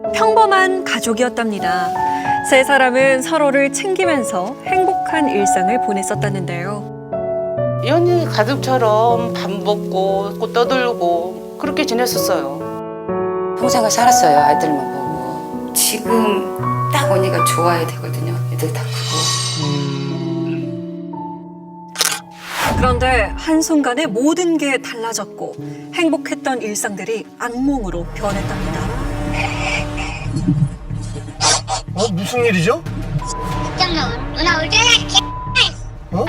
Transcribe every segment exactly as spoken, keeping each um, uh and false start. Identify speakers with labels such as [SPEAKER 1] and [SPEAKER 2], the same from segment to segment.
[SPEAKER 1] 평범한 가족이었답니다. 세 사람은 서로를 챙기면서 행복한 일상을 보냈었다는데요.
[SPEAKER 2] 연희 가족처럼 밥 먹고 꽃 떠들고 그렇게 지냈었어요.
[SPEAKER 3] 평생을 살았어요. 아들만 보고. 지금 딱 언니가 좋아야 되거든요. 애들 다 크고.
[SPEAKER 1] 그런데 한순간에 모든 게 달라졌고 행복했던 일상들이 악몽으로 변했답니다.
[SPEAKER 4] 어? 무슨 일이죠?
[SPEAKER 5] 잠깐만, 누나 올 때나 개.
[SPEAKER 4] 어?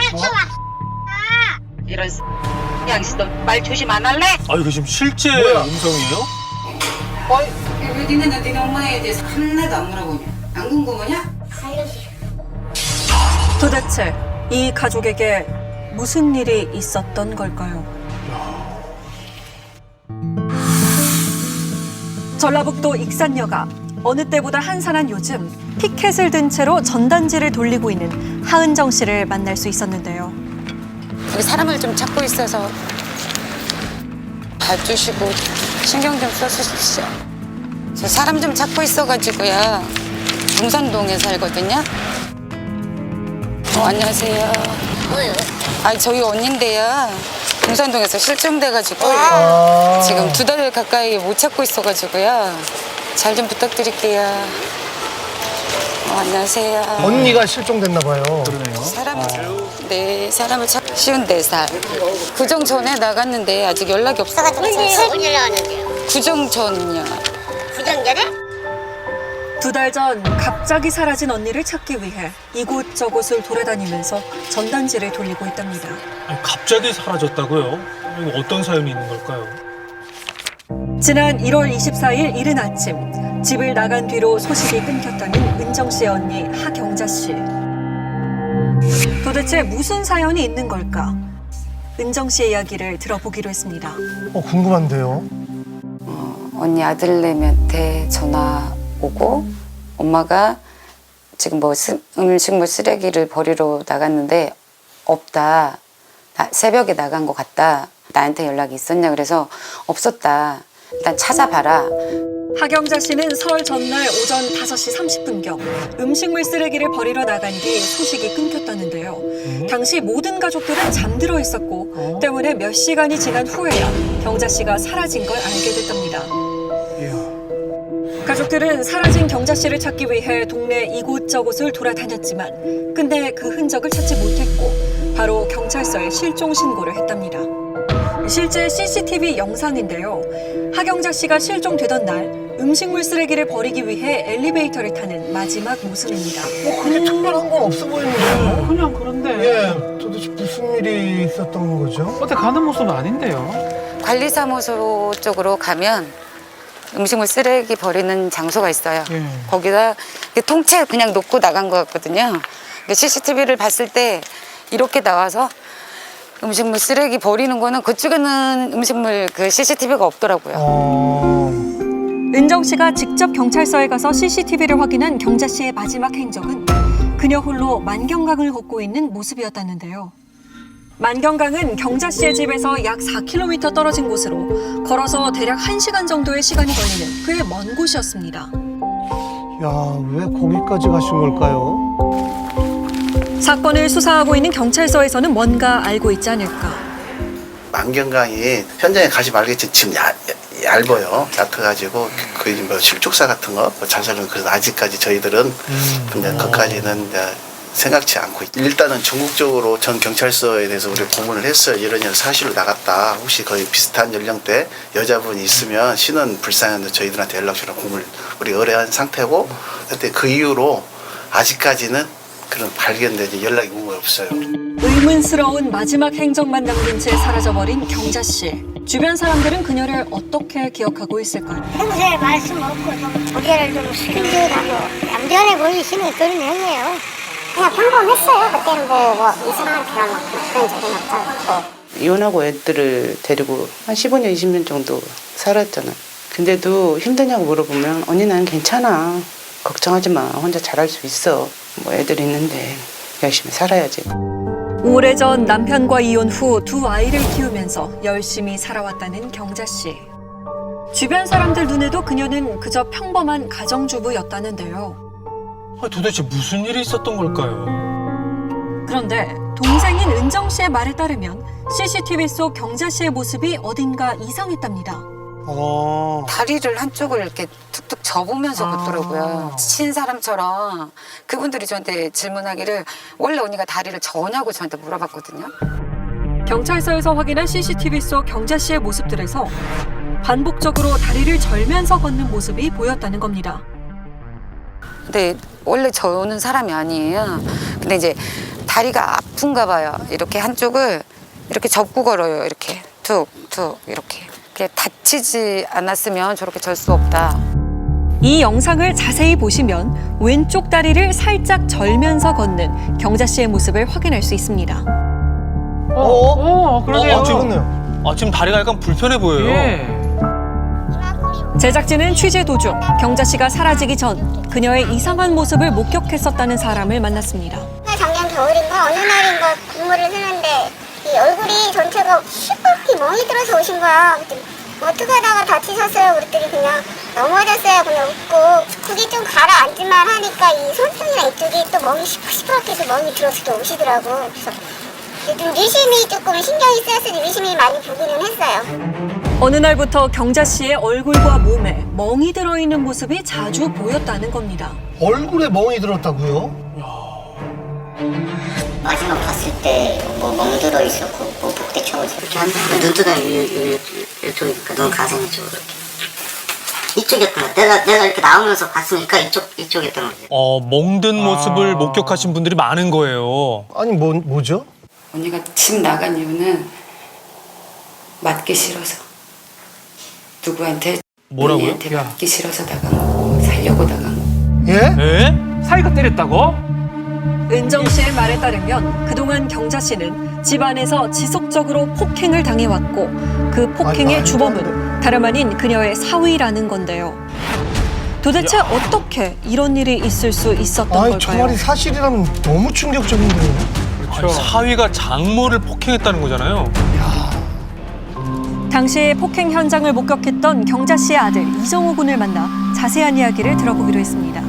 [SPEAKER 2] 이런 양씨 너 말 조심 안 할래?
[SPEAKER 6] 아 이거 지금 실제
[SPEAKER 4] 뭐야?
[SPEAKER 6] 음성이에요?
[SPEAKER 3] 왜 니네는 니네 엄마에 대해서 하나도 안 물어보냐? 안 궁금하냐?
[SPEAKER 1] 도대체 이 가족에게 무슨 일이 있었던 걸까요? 전라북도 익산여가 어느 때보다 한산한 요즘 피켓을 든 채로 전단지를 돌리고 있는 하은정 씨를 만날 수 있었는데요.
[SPEAKER 3] 여기 사람을 좀 찾고 있어서 봐주시고 신경 좀 써주십시오. 저 사람 좀 찾고 있어가지고요. 동산동에 살거든요. 어, 안녕하세요.
[SPEAKER 5] 뭐요?
[SPEAKER 3] 아, 저희 언니인데요. 동산동에서 실종돼가지고
[SPEAKER 4] 아.
[SPEAKER 3] 지금 두 달 가까이 못 찾고 있어가지고요. 잘 좀 부탁드릴게요. 어, 안녕하세요.
[SPEAKER 4] 언니가 실종됐나 봐요.
[SPEAKER 6] 그러네요.
[SPEAKER 3] 사람, 네, 사람을 찾기 쉬운 네 살. 구정 전에 나갔는데 아직 연락이 없어가지고.
[SPEAKER 5] 언제 어디 나왔는데요?
[SPEAKER 3] 구정 전요.
[SPEAKER 5] 부정전에?
[SPEAKER 1] 두 달 전 갑자기 사라진 언니를 찾기 위해 이곳저곳을 돌아다니면서 전단지를 돌리고 있답니다.
[SPEAKER 6] 아니, 갑자기 사라졌다고요? 이거 어떤 사연이 있는 걸까요?
[SPEAKER 1] 지난 일월 이십사일 이른 아침 집을 나간 뒤로 소식이 끊겼다는 은정 씨의 언니 하경자 씨. 도대체 무슨 사연이 있는 걸까? 은정 씨의 이야기를 들어보기로 했습니다.
[SPEAKER 4] 어, 궁금한데요.
[SPEAKER 3] 어, 언니 아들내미한테 전화 오고 엄마가 지금 뭐 스, 음식물 쓰레기를 버리러 나갔는데 없다. 나, 새벽에 나간 것 같다. 나한테 연락이 있었냐 그래서 없었다. 일단 찾아봐라.
[SPEAKER 1] 하경자 씨는 설 전날 오전 다섯시 삼십분경 음식물 쓰레기를 버리러 나간 뒤 소식이 끊겼다는데요. 당시 모든 가족들은 잠들어 있었고 때문에 몇 시간이 지난 후에야 경자 씨가 사라진 걸 알게 됐답니다. 가족들은 사라진 경자 씨를 찾기 위해 동네 이곳저곳을 돌아다녔지만 끝내 그 흔적을 찾지 못했고 바로 경찰서에 실종 신고를 했답니다. 실제 씨씨티비 영상인데요. 하경자 씨가 실종되던 날 음식물 쓰레기를 버리기 위해 엘리베이터를 타는 마지막 모습입니다.
[SPEAKER 4] 뭐 그게 특별한 건 없어 보이는데요.
[SPEAKER 7] 그냥 그런데
[SPEAKER 4] 예, 도대체 무슨 일이 있었던 거죠?
[SPEAKER 7] 어디 가는 모습은 아닌데요.
[SPEAKER 3] 관리사무소 쪽으로 가면 음식물 쓰레기 버리는 장소가 있어요.
[SPEAKER 7] 예.
[SPEAKER 3] 거기다 통째 그냥 놓고 나간 것 같거든요. 씨씨티비를 봤을 때 이렇게 나와서 음식물 쓰레기 버리는 거는 그쪽에는 음식물 그 씨씨티비가 없더라고요.
[SPEAKER 4] 어...
[SPEAKER 1] 은정 씨가 직접 경찰서에 가서 씨씨티비를 확인한 경자 씨의 마지막 행적은 그녀 홀로 만경강을 걷고 있는 모습이었다는데요. 만경강은 경자 씨의 집에서 약 사 킬로미터 떨어진 곳으로 걸어서 대략 한 시간 정도의 시간이 걸리는 꽤 먼 곳이었습니다.
[SPEAKER 4] 야, 왜 거기까지 가신 걸까요?
[SPEAKER 1] 사건을 수사하고 있는 경찰서에서는 뭔가 알고 있지 않을까.
[SPEAKER 8] 만경강이 현장에 가지 말겠지 지금 야, 야, 얇아요. 얕아가지고 거의 뭐 실족사 같은 거, 뭐 자살은 그래서 아직까지 저희들은
[SPEAKER 4] 음.
[SPEAKER 8] 근데 그까지는 이제 생각지 않고 있- 일단은 전국적으로 전 경찰서에 대해서 우리 고문을 했어요. 이런 일 사실로 나갔다. 혹시 거의 비슷한 연령대 여자분이 있으면 신원 불상한데 저희들한테 연락 주라 고문을 우리 의뢰한 상태고 그때 그 이후로 아직까지는 그런 발견되지 연락이 온 거 없어요.
[SPEAKER 1] 의문스러운 마지막 행적만 남긴 채 사라져버린 경자 씨. 주변 사람들은 그녀를 어떻게 기억하고 있을까요?
[SPEAKER 5] 평소에 말씀 없고 좀 고개를 좀 숙이더라고 얌전해 보이시는 그런 형이에요. 그냥 평범했어요. 그때는 뭐, 뭐 이상한 그런 막 그런 적은 없었고.
[SPEAKER 2] 이혼하고 애들을 데리고 한 십오 년, 이십 년 정도 살았잖아. 근데도 힘드냐고 물어보면 언니 난 괜찮아. 걱정하지 마. 혼자 잘할 수 있어. 뭐 애들 있는데 열심히 살아야지.
[SPEAKER 1] 오래전 남편과 이혼 후 두 아이를 키우면서 열심히 살아왔다는 경자 씨. 주변 사람들 눈에도 그녀는 그저 평범한 가정주부였다는데요.
[SPEAKER 6] 아, 도대체 무슨 일이 있었던 걸까요?
[SPEAKER 1] 그런데 동생인 은정 씨의 말에 따르면 씨씨티비 속 경자 씨의 모습이 어딘가 이상했답니다.
[SPEAKER 4] 어.
[SPEAKER 3] 다리를 한쪽을 이렇게 툭툭 접으면서
[SPEAKER 4] 아.
[SPEAKER 3] 걷더라고요. 친 사람처럼. 그분들이 저한테 질문하기를 원래 언니가 다리를 저냐고 저한테 물어봤거든요.
[SPEAKER 1] 경찰서에서 확인한 씨씨티비 속 경자 씨의 모습들에서 반복적으로 다리를 절면서 걷는 모습이 보였다는 겁니다.
[SPEAKER 3] 근데 원래 저는 사람이 아니에요. 근데 이제 다리가 아픈가 봐요. 이렇게 한쪽을 이렇게 접고 걸어요. 이렇게 툭툭 이렇게. 그게 다치지 않았으면 저렇게 절 수 없다.
[SPEAKER 1] 이 영상을 자세히 보시면 왼쪽 다리를 살짝 절면서 걷는 경자 씨의 모습을 확인할 수 있습니다.
[SPEAKER 4] 어?
[SPEAKER 6] 어, 그러네요.
[SPEAKER 4] 어, 지금,
[SPEAKER 6] 아, 지금 다리가 약간 불편해 보여요.
[SPEAKER 4] 예.
[SPEAKER 1] 제작진은 취재 도중 경자 씨가 사라지기 전 그녀의 이상한 모습을 목격했었다는 사람을 만났습니다.
[SPEAKER 5] 작년 겨울인가 어느 날인가 근무를 했는데 이 얼굴이 전체가 시뻘게 멍이 들어서 오신 거야. 그랬더니 어떻게 하다가 다치셨어요? 그랬더니 그냥 넘어졌어요. 그냥 웃고 그게 좀 가라앉을만 하니까 이 손등이랑 이쪽이 또 멍이 시퍼시퍼렇게 해서 멍이 들어서 또 오시더라고. 그래서 좀 의심이 조금 신경이 쓰여서 의심이 많이 보기는 했어요.
[SPEAKER 1] 어느 날부터 경자 씨의 얼굴과 몸에 멍이 들어있는 모습이 자주 보였다는 겁니다.
[SPEAKER 4] 얼굴에 멍이 들었다고요?
[SPEAKER 7] 마지막 봤을 때 뭐 멍들어 있었고 뭐 복대 쳐오지 이렇게 한다. 눈두덩이 이쪽이니까 눈 가슴 이쪽으로 이렇게 이쪽이었던 거. 내가 내가 이렇게 나오면서 봤으니까 이쪽 이쪽이었던 거지.
[SPEAKER 6] 어, 멍든 모습을
[SPEAKER 4] 아.
[SPEAKER 6] 목격하신 분들이 많은 거예요.
[SPEAKER 4] 아니, 뭐, 뭐죠?
[SPEAKER 3] 언니가 집 나간 이유는 맞기 싫어서. 누구한테
[SPEAKER 6] 뭐라고요?
[SPEAKER 3] 언니한테 맞기 싫어서 나간 거고 살려고 나간 거.
[SPEAKER 4] 예?
[SPEAKER 6] 에?
[SPEAKER 9] 사이가 때렸다고?
[SPEAKER 1] 은정 씨의 말에 따르면 그동안 경자 씨는 집안에서 지속적으로 폭행을 당해왔고 그 폭행의
[SPEAKER 4] 아니,
[SPEAKER 1] 주범은 다름 아닌 그녀의 사위라는 건데요. 도대체 어떻게 이런 일이 있을 수 있었던
[SPEAKER 4] 아니, 저
[SPEAKER 1] 걸까요?
[SPEAKER 4] 말이 사실이라면 너무 충격적인데요.
[SPEAKER 6] 아니, 사위가 장모를 폭행했다는 거잖아요.
[SPEAKER 1] 당시 폭행 현장을 목격했던 경자 씨의 아들 이정호 군을 만나 자세한 이야기를 들어보기로 했습니다.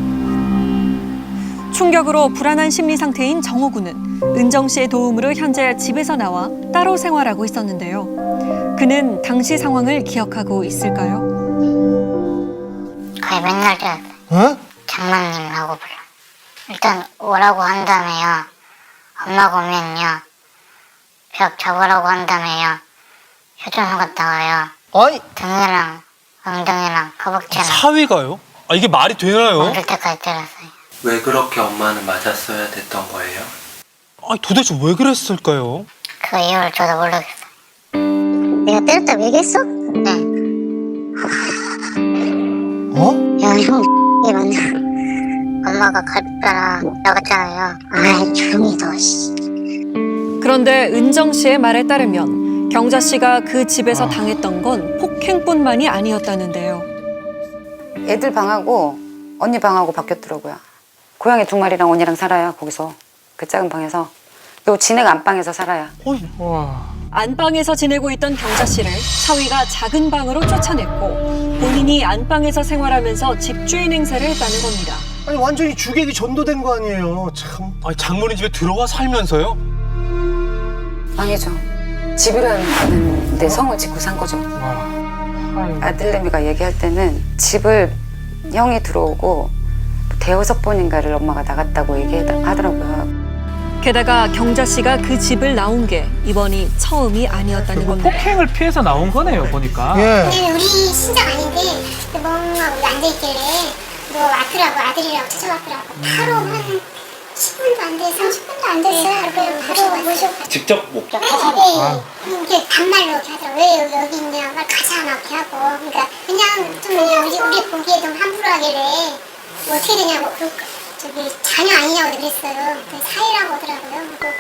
[SPEAKER 1] 충격으로 불안한 심리 상태인 정호 군은 은정 씨의 도움으로 현재 집에서 나와 따로 생활하고 있었는데요. 그는 당시 상황을 기억하고 있을까요?
[SPEAKER 5] 거의 맨날 그래.
[SPEAKER 4] 어?
[SPEAKER 5] 장난님이라고 불러. 일단 오라고 한 다음에요. 엄마가 오면요. 벽 잡으라고 한 다음에요. 휴전소 갔다 와요.
[SPEAKER 4] 아니,
[SPEAKER 5] 등이랑 엉덩이랑 허벅지랑
[SPEAKER 6] 사위가요? 아, 이게 말이 되나요?
[SPEAKER 5] 멍들 때까지 때렸어요.
[SPEAKER 10] 왜 그렇게 엄마는 맞았어야 됐던 거예요?
[SPEAKER 6] 아니, 도대체 왜 그랬을까요?
[SPEAKER 5] 그 이유를 저도 모르겠어요. 내가 때렸다고 얘기했어? 네.
[SPEAKER 4] 어?
[SPEAKER 5] 야, 형, 이 맞나? 엄마가 갈비뼈랑 나갔잖아요. 아이, 조용히 둬, 씨.
[SPEAKER 1] 그런데 은정 씨의 말에 따르면 경자 씨가 그 집에서 당했던 건 폭행뿐만이 아니었다는데요.
[SPEAKER 3] 애들 방하고 언니 방하고 바뀌었더라고요. 고양이 두 마리랑 언니랑 살아요. 거기서 그 작은 방에서. 또 진해가 안방에서 살아요.
[SPEAKER 1] 안방에서 지내고 있던 경자 씨를 사위가 작은 방으로 쫓아냈고 본인이 안방에서 생활하면서 집주인 행세를 했다는 겁니다.
[SPEAKER 4] 아니, 완전히 주객이 전도된 거 아니에요. 참.
[SPEAKER 6] 아니, 장모님 집에 들어와 살면서요?
[SPEAKER 3] 아니죠. 집이라는 데 성을 짓고 산 거죠. 아들내미가 얘기할 때는 집을 형이 들어오고 대여섯 번인가를 엄마가 나갔다고 얘기하더라고요.
[SPEAKER 1] 게다가 경자 씨가 그 집을 나온 게 이번이 처음이 아니었다는 겁니다.
[SPEAKER 9] 폭행을 피해서 나온 거네요, 보니까.
[SPEAKER 4] 예.
[SPEAKER 5] 근데 우리 친정 아닌데 멍하고 앉아있길래 뭐 왔더라고. 아들이라고 찾아왔더라고. 바로 한 십 분도 안 돼서 삼십 분도 안 됐어요. 그래서 바로 모셔고
[SPEAKER 10] 직접 못
[SPEAKER 5] 네, 네. 이게 반말로 이렇게 하더라고. 왜 여기, 여기 있냐. 말 가자 막 이렇게 하고. 그러니까 그냥 좀 그냥 우리, 우리 보기에 좀 함부로 하길래 뭐 어떻게 되냐고. 그, 저기 자녀 아니냐고 그랬어요. 그 사이라고 하더라고요. 그리고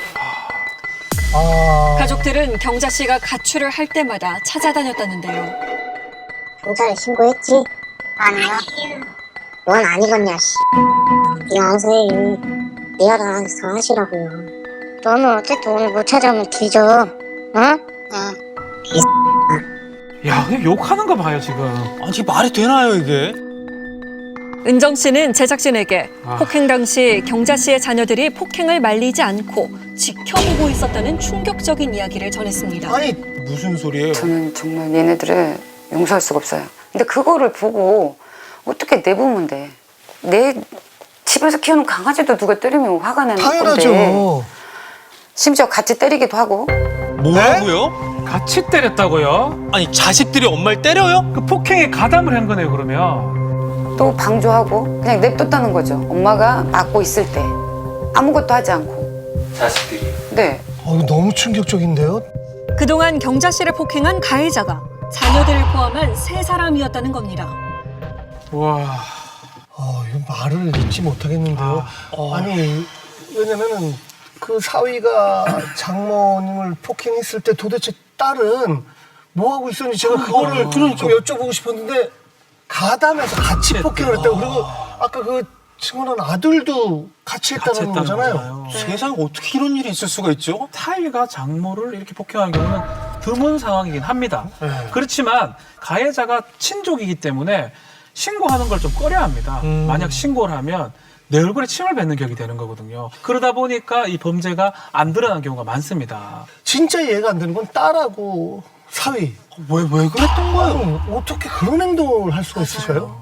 [SPEAKER 4] 아.
[SPEAKER 1] 가족들은 경자 씨가 가출을 할 때마다 찾아다녔다는데요.
[SPEAKER 5] 경찰에 신고했지? 아니요. 넌 아니겠냐, 씨. 네 알아서 해. 네 알아서 하시라고요. 너는 어쨌든 오늘 못 찾아오면 뒤져. 어? 응.
[SPEAKER 9] 야, 그냥 욕하는 거 봐요, 지금.
[SPEAKER 6] 아니 이게 말이 되나요 이게?
[SPEAKER 1] 은정 씨는 제작진에게
[SPEAKER 9] 아.
[SPEAKER 1] 폭행 당시 경자 씨의 자녀들이 폭행을 말리지 않고 지켜보고 있었다는 충격적인 이야기를 전했습니다.
[SPEAKER 4] 아니
[SPEAKER 6] 무슨 소리예요?
[SPEAKER 3] 저는 정말 얘네들을 용서할 수가 없어요. 근데 그거를 보고 어떻게 내보면 돼. 내 집에서 키우는 강아지도 누가 때리면 화가 나는 건데.
[SPEAKER 4] 당연하죠.
[SPEAKER 3] 심지어 같이 때리기도 하고.
[SPEAKER 6] 뭐라고요?
[SPEAKER 9] 같이 때렸다고요?
[SPEAKER 6] 아니 자식들이 엄마를 때려요?
[SPEAKER 9] 그 폭행에 가담을 한 거네요, 그러면.
[SPEAKER 3] 또 방조하고 그냥 냅뒀다는 거죠. 엄마가 맞고 있을 때 아무것도 하지 않고.
[SPEAKER 10] 자식들이.
[SPEAKER 3] 네.
[SPEAKER 4] 어, 이거 너무 충격적인데요.
[SPEAKER 1] 그동안 경자 씨를 폭행한 가해자가 자녀들을 포함한 세 사람이었다는 겁니다.
[SPEAKER 9] 와.
[SPEAKER 4] 어, 이거 말을 잊지 못하겠는데요. 아, 니 왜냐면은 그 사위가 장모님을 폭행했을 때 도대체 딸은 뭐 하고 있었는지 제가 그거를 좀 여쭤보고 싶었는데 가담해서 같이 폭행을 했다고. 그리고 아까 그 친구는 아들도 같이 했다는
[SPEAKER 6] 했다는
[SPEAKER 4] 거잖아요.
[SPEAKER 6] 거잖아요. 세상에 어떻게 이런 일이 있을 수가 있죠?
[SPEAKER 9] 사위가 장모를 이렇게 폭행하는 경우는 드문 상황이긴 합니다.
[SPEAKER 4] 네.
[SPEAKER 9] 그렇지만 가해자가 친족이기 때문에 신고하는 걸 좀 꺼려합니다.
[SPEAKER 4] 음.
[SPEAKER 9] 만약 신고를 하면 내 얼굴에 침을 뱉는 격이 되는 거거든요. 그러다 보니까 이 범죄가 안 드러난 경우가 많습니다.
[SPEAKER 4] 진짜 이해가 안 되는 건 딸하고 사위.
[SPEAKER 6] 왜 왜 그랬던 거예요?
[SPEAKER 4] 아니, 어떻게 그런 행동을 할 수가 있으셔요?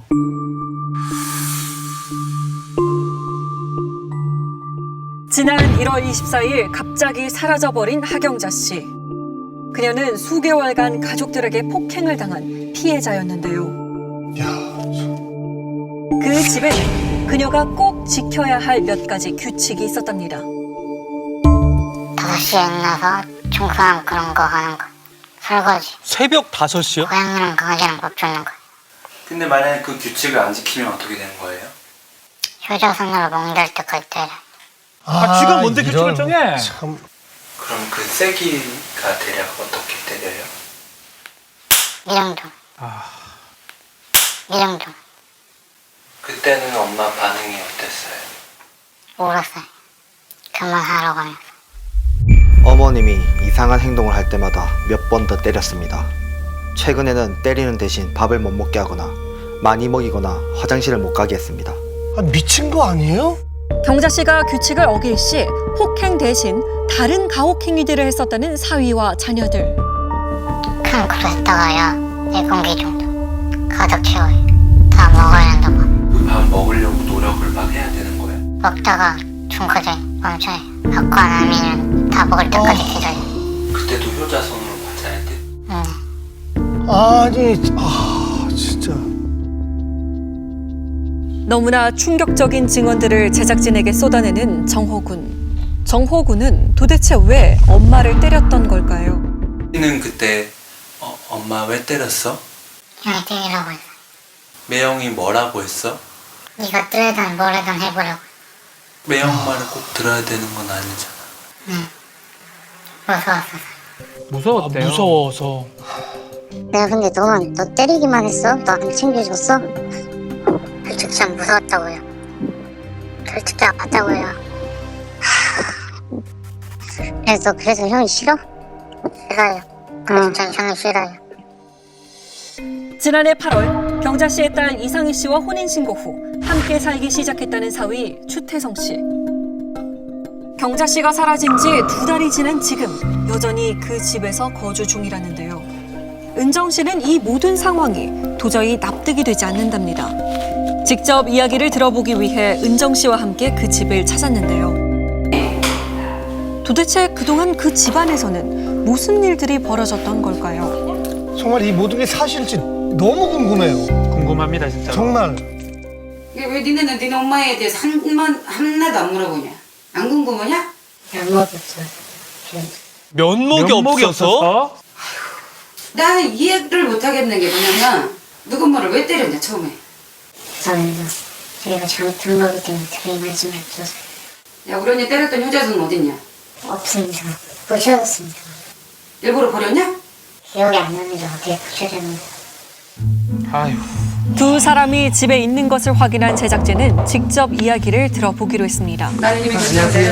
[SPEAKER 1] 지난 일월 이십사일 갑자기 사라져버린 하경자 씨. 그녀는 수개월간 가족들에게 폭행을 당한 피해자였는데요.
[SPEAKER 4] 야,
[SPEAKER 1] 그 집에는 그녀가 꼭 지켜야 할 몇 가지 규칙이 있었답니다.
[SPEAKER 5] 다섯 시에 일어나서 청소하고 그런 거 하는 거. 설거지.
[SPEAKER 6] 새벽 다섯 시요?
[SPEAKER 5] 고양이랑 강아지랑 밥 주는 거.
[SPEAKER 10] 근데 만약에 그 규칙을 안 지키면 어떻게 되는 거예요?
[SPEAKER 5] 효자손으로 멍들 때까지 때려.
[SPEAKER 9] 아, 쥐가 뭔데
[SPEAKER 4] 이런,
[SPEAKER 9] 규칙을 정해?
[SPEAKER 4] 참.
[SPEAKER 10] 그럼 그 세기가 대략 어떻게 때려요?
[SPEAKER 5] 이 정도.
[SPEAKER 9] 아,
[SPEAKER 5] 이 정도.
[SPEAKER 10] 그때는 엄마 반응이 어땠어요?
[SPEAKER 5] 울었어요. 그만하라고 하면서.
[SPEAKER 11] 어머님이 이상한 행동을 할 때마다 몇 번 더 때렸습니다. 최근에는 때리는 대신 밥을 못 먹게 하거나 많이 먹이거나 화장실을 못 가게 했습니다.
[SPEAKER 4] 아, 미친 거 아니에요?
[SPEAKER 1] 경자 씨가 규칙을 어길 시 폭행 대신 다른 가혹 행위들을 했었다는 사위와 자녀들.
[SPEAKER 5] 큰 그릇에다가야 네 공기 정도 가득 채워요. 다 먹어야 한다고.
[SPEAKER 10] 그 밥 먹으려고 노력을 막 해야 되는 거예요?
[SPEAKER 5] 먹다가 중까지 멈춰요. 받고 안 하면 다 먹을 때까지 기다려요.
[SPEAKER 10] 그때도 효자손으로 맞아야 돼?
[SPEAKER 5] 응.
[SPEAKER 4] 아니, 아, 진짜.
[SPEAKER 1] 너무나 충격적인 증언들을 제작진에게 쏟아내는 정호군. 정호군은 도대체 왜 엄마를 때렸던 걸까요?
[SPEAKER 10] 는 그때 어, 엄마 왜 때렸어?
[SPEAKER 5] 그냥 때리라고 했어.
[SPEAKER 10] 매형이 뭐라고 했어?
[SPEAKER 5] 네가 뜨레든 뭐래든 해보라고.
[SPEAKER 10] 매형 말을 꼭 들어야 되는 건 아니잖아.
[SPEAKER 5] 응. 무서웠어.
[SPEAKER 9] 무서웠대요.
[SPEAKER 6] 아, 무서워서.
[SPEAKER 5] 내가 근데 너만 너 때리기만 했어? 너 안 챙겨줬어? 솔직히 참 무서웠다고요. 솔직히 아팠다고요. 그래서 그래서 형이 싫어? 싫어요. 그래서 전 형이 싫어요.
[SPEAKER 1] 지난해 팔월 경자 씨의 딸 이상희 씨와 혼인 신고 후 함께 살기 시작했다는 사위 추태성 씨. 경자 씨가 사라진 지 두 달이 지난 지금 여전히 그 집에서 거주 중이라는데요. 은정 씨는 이 모든 상황이 도저히 납득이 되지 않는답니다. 직접 이야기를 들어보기 위해 은정 씨와 함께 그 집을 찾았는데요. 도대체 그동안 그 집안에서는 무슨 일들이 벌어졌던 걸까요?
[SPEAKER 4] 정말 이 모든 게 사실일지 너무 궁금해요.
[SPEAKER 9] 궁금합니다, 진짜.
[SPEAKER 4] 정말.
[SPEAKER 12] 왜 니네는 니네 엄마에 대해서 한만 하나도 안 물어보냐? 안 궁금하냐?
[SPEAKER 6] 면목이,
[SPEAKER 9] 면목이
[SPEAKER 6] 없어서?
[SPEAKER 9] 없었어?
[SPEAKER 12] 나는 이해를 못 하겠는 게 뭐냐면 누구 엄마를 왜 때렸냐 처음에.
[SPEAKER 5] 저는 저희가 잘못 들은 거기 때문에 저희 말씀을 주세요.
[SPEAKER 12] 야 우리 언니 때렸던 효자손 어딨냐?
[SPEAKER 5] 없습니다. 부셔졌습니다.
[SPEAKER 12] 일부러 버렸냐?
[SPEAKER 5] 기억이 안 나는데 어떻게 부셔졌는지.
[SPEAKER 9] 아휴.
[SPEAKER 1] 두 사람이 집에 있는 것을 확인한 제작진은 직접 이야기를 들어보기로 했습니다.
[SPEAKER 12] 나는 이미 안녕하세요.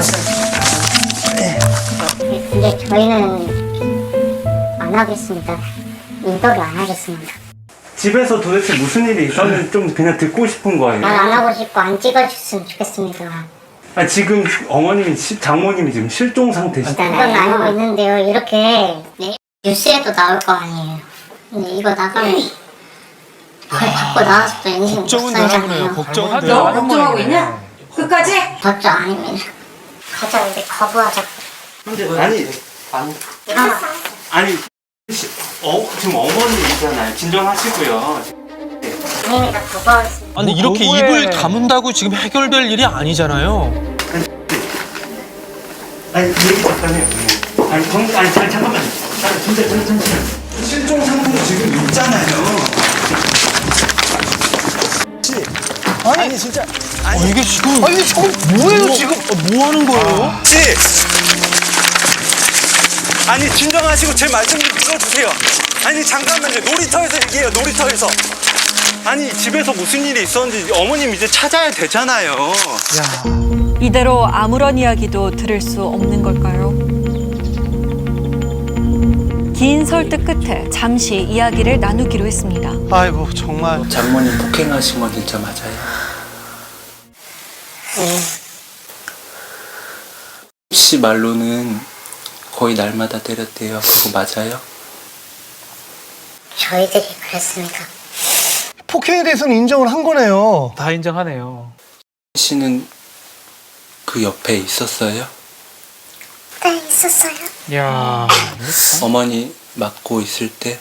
[SPEAKER 5] 근데 저희는 안 하겠습니다. 인터뷰 안 하겠습니다.
[SPEAKER 13] 집에서 도대체 무슨 일이 있었는지 좀 그냥 듣고 싶은 거예요.
[SPEAKER 5] 말 안 하고 싶고 안 찍어줬으면 좋겠습니다.
[SPEAKER 13] 아, 지금 어머님이 시- 장모님이 지금 실종 상태시죠?
[SPEAKER 5] 그건 알고 있는데요. 이렇게 네, 뉴스에도 나올 거 아니에요. 근데 이거 나가면 그걸 받고 나와서 또 인생
[SPEAKER 6] 걱정은 되나 보네요.
[SPEAKER 5] 못살잖아요.
[SPEAKER 6] 걱정은
[SPEAKER 12] 너 걱정하고 있냐? 끝까지?
[SPEAKER 5] 걱정 아닙니다. 가자 우리 거부하자.
[SPEAKER 13] 아니, 아니,
[SPEAKER 5] 일어나.
[SPEAKER 13] 아니, 시- 어, 지금 어머님이잖아요. 진정하시고요.
[SPEAKER 5] 아닙니다. 거부하겠습니다.
[SPEAKER 6] 아니 이렇게 입을 다문다고 지금 해결될 일이 아니잖아요.
[SPEAKER 13] 아니, 얘기 없다며요. 아니, 정, 아니, 자, 잠깐만요. 아니, 진짜, 진짜, 진짜. 실종 상태로 지금 있잖아요.
[SPEAKER 4] 아니, 진짜.
[SPEAKER 6] 어, 이게 지금
[SPEAKER 4] 아니, 저거 뭐예요, 지금?
[SPEAKER 6] 어, 뭐 하는 거예요?
[SPEAKER 13] 씨! 아니, 진정하시고 제 말씀 좀 들어주세요. 아니, 잠깐만요. 놀이터에서 얘기해요, 놀이터에서. 아니, 집에서 무슨 일이 있었는지 어머님 이제 찾아야 되잖아요.
[SPEAKER 1] 이대로 아무런 이야기도 들을 수 없는 걸까요? 긴 설득 끝에 잠시 이야기를 나누기로 했습니다.
[SPEAKER 4] 아이고, 정말.
[SPEAKER 10] 장모님 폭행하신 건 진짜 맞아요? 씨 말로는 거의 날마다 때렸대요. 그거 맞아요?
[SPEAKER 5] 저희들이 그랬습니까?
[SPEAKER 4] 폭행에 대해서는 인정을 한 거네요.
[SPEAKER 9] 다 인정하네요.
[SPEAKER 10] 씨는 그 옆에 있었어요?
[SPEAKER 5] 네, 있었어요.
[SPEAKER 9] 야,
[SPEAKER 10] 어머니 맞고 있을 때?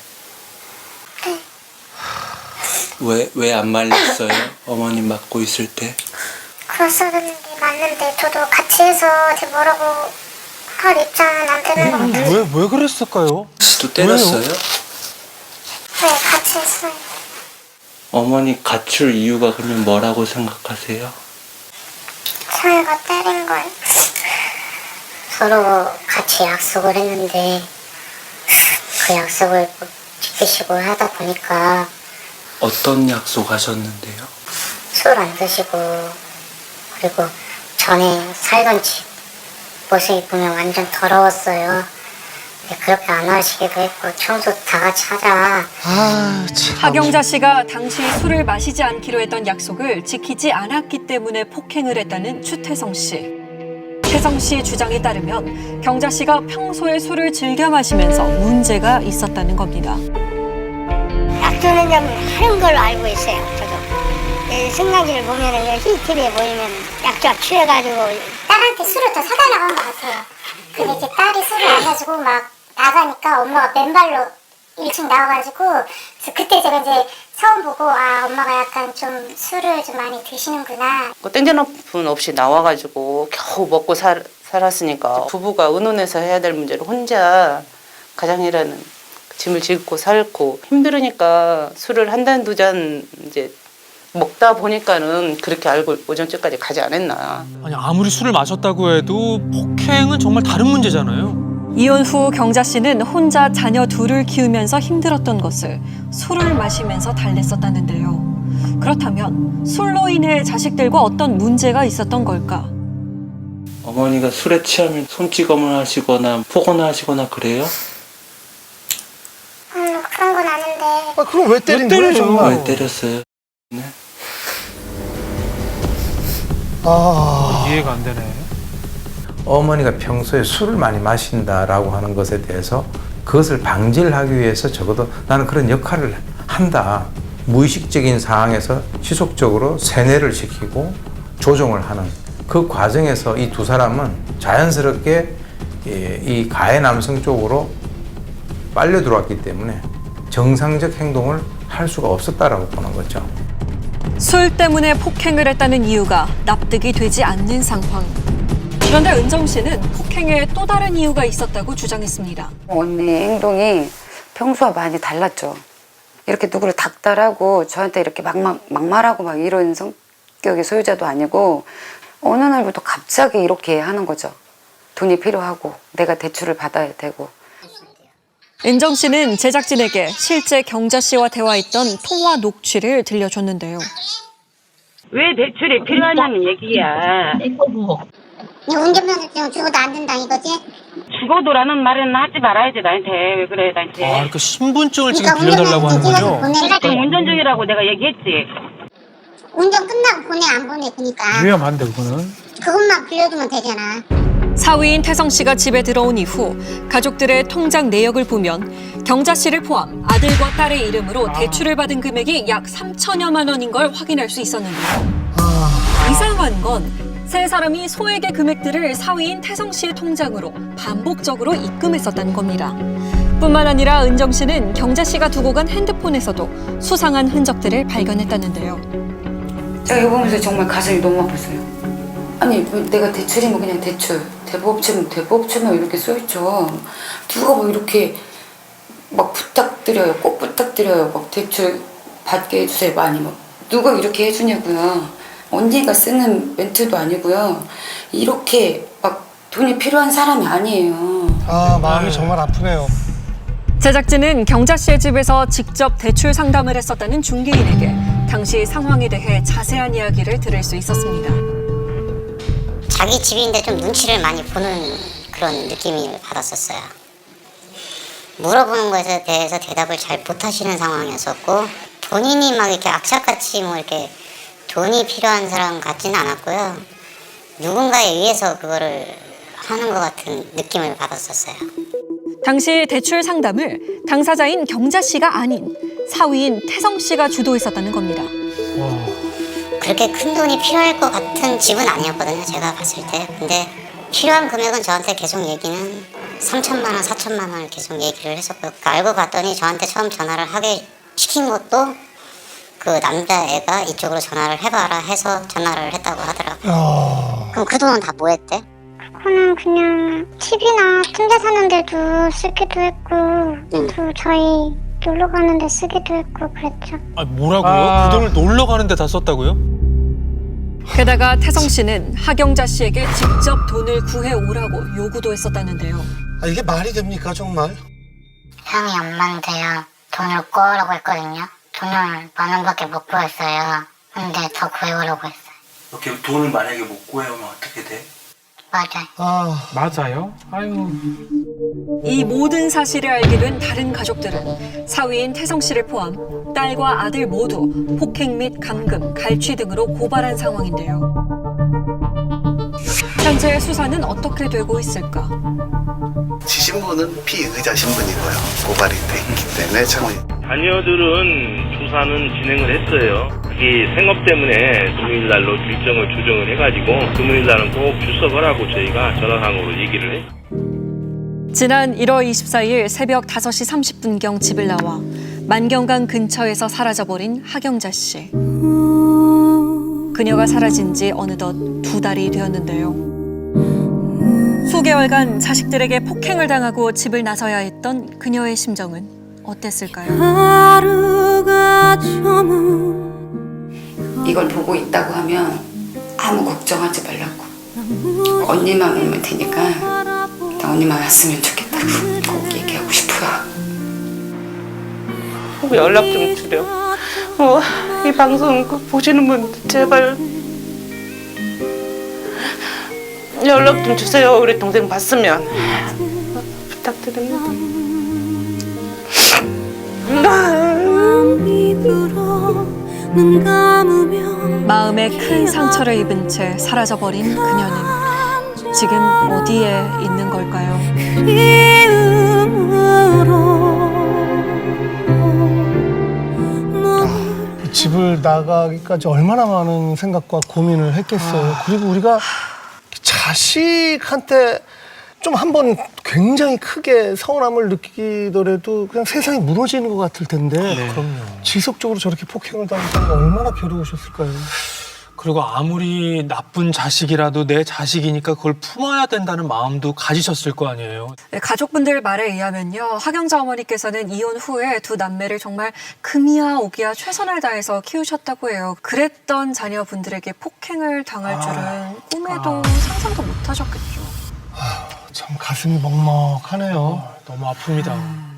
[SPEAKER 10] 왜, 왜 안 말렸어요? 어머님 맞고 있을 때?
[SPEAKER 5] 그랬었는 게 맞는데 저도 같이 해서 제 뭐라고 할 입장은 안 되는 것 같아요.
[SPEAKER 6] 왜, 왜 그랬을까요?
[SPEAKER 10] 씨도 때렸어요?
[SPEAKER 5] 네, 같이 했어요.
[SPEAKER 10] 어머니 갖출 이유가 그러면 뭐라고 생각하세요?
[SPEAKER 5] 저희가 때린 걸 서로 같이 약속을 했는데 그 약속을 못 지키시고 하다 보니까
[SPEAKER 10] 어떤 약속 하셨는데요?
[SPEAKER 5] 술 안 드시고 그리고 전에 살던 집 모습이 보면 완전 더러웠어요. 근데 그렇게 안 하시기도 했고 청소 다 같이 하자.
[SPEAKER 4] 아, 참.
[SPEAKER 1] 하경자 씨가 당시 술을 마시지 않기로 했던 약속을 지키지 않았기 때문에 폭행을 했다는 추태성 씨. 태성 씨 주장에 따르면 경자 씨가 평소에 술을 즐겨 마시면서 문제가 있었다는 겁니다.
[SPEAKER 5] 약주는 좀 하는 걸로 알고 있어요. 저도 승강기를 보면은 씨씨티비에 보이면 약주가 취해가지고 딸한테 술을 더 사다 나간 것 같아요. 근데 이제 딸이 술을 안 가지고 막 나가니까 엄마가 맨발로 일 층 나와가지고 그래서 그때 제가 이제 처음 보고 아 엄마가 약간 좀 술을 좀 많이 드시는구나.
[SPEAKER 2] 그 땡전오픈 없이 나와가지고 겨우 먹고 살, 살았으니까 부부가 의논해서 해야 될 문제를 혼자 가장이라는 짐을 짓고 살고 힘들으니까 술을 한 잔 두 잔 이제 먹다 보니까는 그렇게 알고 오전쯤까지 가지 않았나.
[SPEAKER 6] 아니 아무리 술을 마셨다고 해도 폭행은 정말 다른 문제잖아요.
[SPEAKER 1] 이혼 후 경자 씨는 혼자 자녀 둘을 키우면서 힘들었던 것을 술을 마시면서 달랬었다는데요. 그렇다면 술로 인해 자식들과 어떤 문제가 있었던 걸까?
[SPEAKER 10] 어머니가 술에 취하면 손찌검을 하시거나 포거나 하시거나 그래요?
[SPEAKER 5] 음 그런 건 아는데.
[SPEAKER 4] 아, 그럼 왜 때린 거예요, 정말?
[SPEAKER 10] 왜 때렸어요? 네?
[SPEAKER 4] 아.
[SPEAKER 6] 이해가 안 되네.
[SPEAKER 14] 어머니가 평소에 술을 많이 마신다라고 하는 것에 대해서 그것을 방지를 하기 위해서 적어도 나는 그런 역할을 한다. 무의식적인 상황에서 지속적으로 세뇌를 시키고 조종을 하는 그 과정에서 이 두 사람은 자연스럽게 이 가해 남성 쪽으로 빨려 들어왔기 때문에 정상적 행동을 할 수가 없었다라고 보는 거죠.
[SPEAKER 1] 술 때문에 폭행을 했다는 이유가 납득이 되지 않는 상황. 그런데 은정 씨는 폭행에 또 다른 이유가 있었다고 주장했습니다.
[SPEAKER 3] 언니 행동이 평소와 많이 달랐죠. 이렇게 누구를 닥달하고 저한테 이렇게 막막, 막말하고 막 이런 성격의 소유자도 아니고 어느 날부터 갑자기 이렇게 하는 거죠. 돈이 필요하고 내가 대출을 받아야 되고.
[SPEAKER 1] 은정 씨는 제작진에게 실제 경자 씨와 대화했던 통화 녹취를 들려줬는데요.
[SPEAKER 15] 왜 대출이 필요하냐는 얘기야.
[SPEAKER 5] 운전면허증 죽어도 안 된다 이거지?
[SPEAKER 12] 죽어도라는 말은 하지 말아야지 나한테. 왜 그래 나한테.
[SPEAKER 6] 아, 그러니까 신분증을 지금 빌려달라고 하는 거죠?
[SPEAKER 12] 내가 지금 운전 중이라고 내가 얘기했지.
[SPEAKER 5] 운전 끝나고 보내 안 보내 그니까
[SPEAKER 9] 위험한데 그거는.
[SPEAKER 5] 그것만 빌려주면 되잖아.
[SPEAKER 1] 사위인 태성 씨가 집에 들어온 이후 가족들의 통장 내역을 보면 경자 씨를 포함 아들과 딸의 이름으로 대출을 받은 금액이 약 삼천여만 원인 걸 확인할 수 있었는데요. 이상한 건 세 사람이 소액의 금액들을 사위인 태성 씨의 통장으로 반복적으로 입금했었다는 겁니다. 뿐만 아니라 은정 씨는 경자 씨가 두고 간 핸드폰에서도 수상한 흔적들을 발견했다는데요.
[SPEAKER 3] 제가 이거 보면서 정말 가슴이 너무 아팠어요. 아니 뭐 내가 대출이면 그냥 대출, 대부업체면 대부업체면 이렇게 써있죠. 누가 뭐 이렇게 막 부탁드려요, 꼭 부탁드려요. 막 대출 받게 해주세요 많이 막 누가 이렇게 해주냐고요. 언니가 쓰는 멘트도 아니고요. 이렇게 막 돈이 필요한 사람이 아니에요.
[SPEAKER 4] 아 마음이 정말 아프네요.
[SPEAKER 1] 제작진은 경자 씨의 집에서 직접 대출 상담을 했었다는 중개인에게 당시 상황에 대해 자세한 이야기를 들을 수 있었습니다.
[SPEAKER 7] 자기 집인데 좀 눈치를 많이 보는 그런 느낌을 받았었어요. 물어보는 것에 대해서 대답을 잘 못하시는 상황이었었고 본인이 막 이렇게 악착같이 뭐 이렇게 돈이 필요한 사람 같지는 않았고요. 누군가에 의해서 그거를 하는 것 같은 느낌을 받았었어요.
[SPEAKER 1] 당시 대출 상담을 당사자인 경자 씨가 아닌 사위인 태성 씨가 주도했었다는 겁니다.
[SPEAKER 7] 그렇게 큰 돈이 필요할 것 같은 집은 아니었거든요, 제가 봤을 때. 근데 필요한 금액은 저한테 계속 얘기는 삼천만 원, 사천만 원을 계속 얘기를 했었고 알고 봤더니 저한테 처음 전화를 하게 시킨 것도 그 남자애가 이쪽으로 전화를 해봐라 해서 전화를 했다고 하더라고요.
[SPEAKER 4] 어...
[SPEAKER 7] 그럼 그 돈은 다 뭐 했대?
[SPEAKER 5] 그거는 그냥 팁이나 침대 사는 데도 쓰기도 했고
[SPEAKER 7] 응.
[SPEAKER 5] 또 저희 놀러 가는 데 쓰기도 했고 그랬죠.
[SPEAKER 6] 아, 뭐라고요?
[SPEAKER 4] 아.
[SPEAKER 6] 그 돈을 놀러 가는데 다 썼다고요?
[SPEAKER 1] 게다가 태성 씨는 하경자 씨에게 직접 돈을 구해오라고 요구도 했었다는데요.
[SPEAKER 4] 아, 이게 말이 됩니까 정말?
[SPEAKER 7] 형이 엄마한테요 돈을 구하라고 했거든요. 돈을 만 원밖에 못 구했어요. 근데 더 구해오라고 했어요.
[SPEAKER 10] 이렇게 돈을 만약에 못 구해오면 어떻게 돼?
[SPEAKER 7] 맞아요.
[SPEAKER 4] 아
[SPEAKER 9] 맞아요? 아유.
[SPEAKER 1] 이 모든 사실을 알게 된 다른 가족들은 사위인 태성 씨를 포함 딸과 아들 모두 폭행 및 감금, 갈취 등으로 고발한 상황인데요. 현재 수사는 어떻게 되고 있을까?
[SPEAKER 8] 지신분은 피의자 신분이고요. 고발이 됐기 때문에 창원이
[SPEAKER 15] 자녀들은 조사는 진행을 했어요. 그게 생업 때문에 금요일날로 일정을 조정을 해가지고 금요일날은 꼭 출석하라고 저희가 전화상으로 얘기를 했어요.
[SPEAKER 1] 지난 일월 이십사일 새벽 다섯 시 삼십 분경 집을 나와 만경강 근처에서 사라져버린 하경자 씨. 그녀가 사라진 지 어느덧 두 달이 되었는데요. 수개월간 자식들에게 폭행을 당하고 집을 나서야 했던 그녀의 심정은 어땠을까요?
[SPEAKER 3] 이걸 보고 있다고 하면 아무 걱정하지 말라고. 언니만 오면 되니까 나 언니만 왔으면 좋겠다고 꼭 얘기하고 싶어요.
[SPEAKER 2] 연락 좀 드려. 어, 이 방송 보시는 분들 제발 연락 좀 주세요. 우리 동생 봤으면 부탁드립니다.
[SPEAKER 1] 마음에 큰 상처를 입은 채 사라져버린 그녀는 지금 어디에 있는 걸까요?
[SPEAKER 4] 아, 집을 나가기까지 얼마나 많은 생각과 고민을 했겠어요.
[SPEAKER 1] 아.
[SPEAKER 4] 그리고 우리가 자식한테 좀 한번 굉장히 크게 서운함을 느끼더라도 그냥 세상이 무너지는 것 같을 텐데
[SPEAKER 6] 그럼요.
[SPEAKER 4] 지속적으로 저렇게 폭행을 당했다는 게 얼마나 괴로우셨을까요?
[SPEAKER 6] 그리고 아무리 나쁜 자식이라도 내 자식이니까 그걸 품어야 된다는 마음도 가지셨을 거 아니에요.
[SPEAKER 1] 네, 가족분들 말에 의하면요. 하경자 어머니께서는 이혼 후에 두 남매를 정말 금이야 오기야 최선을 다해서 키우셨다고 해요. 그랬던 자녀분들에게 폭행을 당할 줄은
[SPEAKER 4] 아.
[SPEAKER 1] 꿈에도
[SPEAKER 4] 아.
[SPEAKER 1] 상상도 못 하셨겠죠.
[SPEAKER 4] 아, 참 가슴이 먹먹하네요.
[SPEAKER 6] 너무 아픕니다.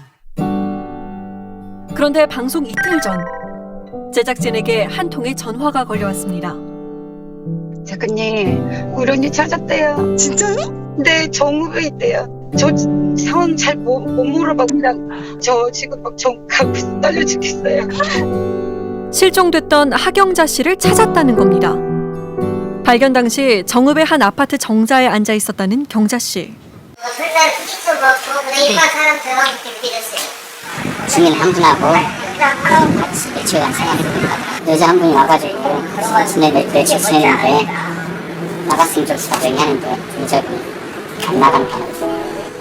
[SPEAKER 1] 그런데 방송 이틀 전 제작진에게 한 통의 전화가 걸려왔습니다.
[SPEAKER 16] 작가님, 우리 언니 찾았대요. 진짜요? 네, 정읍에 있대요. 저 상황 잘 못 물어봐. 그냥 저 지금 막 정가고 떨려 죽겠어요.
[SPEAKER 1] 실종됐던 하경자 씨를 찾았다는 겁니다. 발견 당시 정읍의 한 아파트 정자에 앉아 있었다는 경자 씨.
[SPEAKER 5] 맨날 피도 먹고 그래 일반 사람 들어가고 빌렸어요.
[SPEAKER 7] 주민 한 분하고 같이 며칠간 생활했습니다. 여자 한 분이 와가지고 지내 며, 며칠 지냈는데 나갔으면 좋겠다고 얘기하는데 여자분이 안 나가는 편이었어요.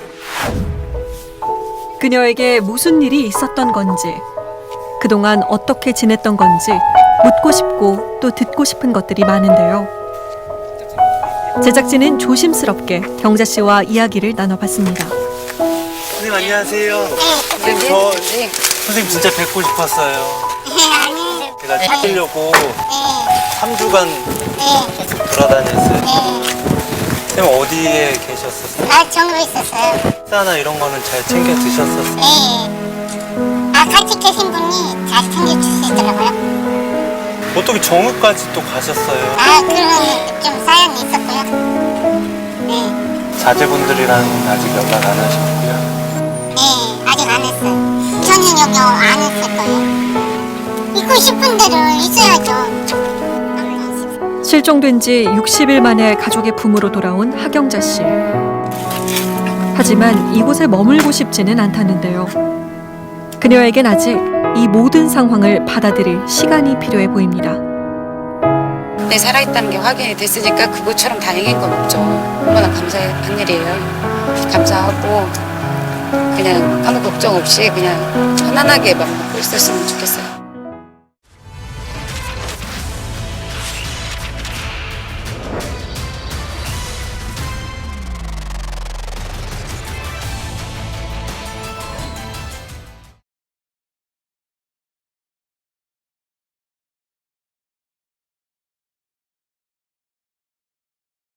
[SPEAKER 1] 그녀에게 무슨 일이 있었던 건지, 그동안 어떻게 지냈던 건지 묻고 싶고 또 듣고 싶은 것들이 많은데요. 제작진은 조심스럽게 경자 씨와 이야기를 나눠봤습니다.
[SPEAKER 13] 선생님 안녕하세요. 선생님 저 선생님 진짜 뵙고 싶었어요. 제가 찾으려고 삼 주간 돌아다녔어요. 선생님 어디에 계셨었어요?
[SPEAKER 5] 아, 정읍에 있었어요.
[SPEAKER 13] 식사나 이런 거는 잘 챙겨 드셨었어요?
[SPEAKER 5] 네. 아, 같이 계신 분이 잘 챙겨주시더라고요.
[SPEAKER 13] 어떻게 정읍까지 또 가셨어요?
[SPEAKER 5] 아, 그런 좀 사연이 있었고요. 네.
[SPEAKER 13] 자제분들이랑 아직 연락 안 하셨고요?
[SPEAKER 5] 네, 아직 안 했어요. 저는 여기 안 했을 거예요. 있고 싶은 데를 있어야죠.
[SPEAKER 1] 실종된 지 육십 일 만에 가족의 품으로 돌아온 하경자 씨. 하지만 이곳에 머물고 싶지는 않다는데요. 그녀에겐 아직 이 모든 상황을 받아들일 시간이 필요해 보입니다.
[SPEAKER 3] 내 살아있다는 게 확인이 됐으니까 그것처럼 다행인 건 없죠. 얼마나 감사한 일이에요. 감사하고 그냥 아무 걱정 없이 그냥 편안하게 맘 먹고 있었으면 좋겠어요.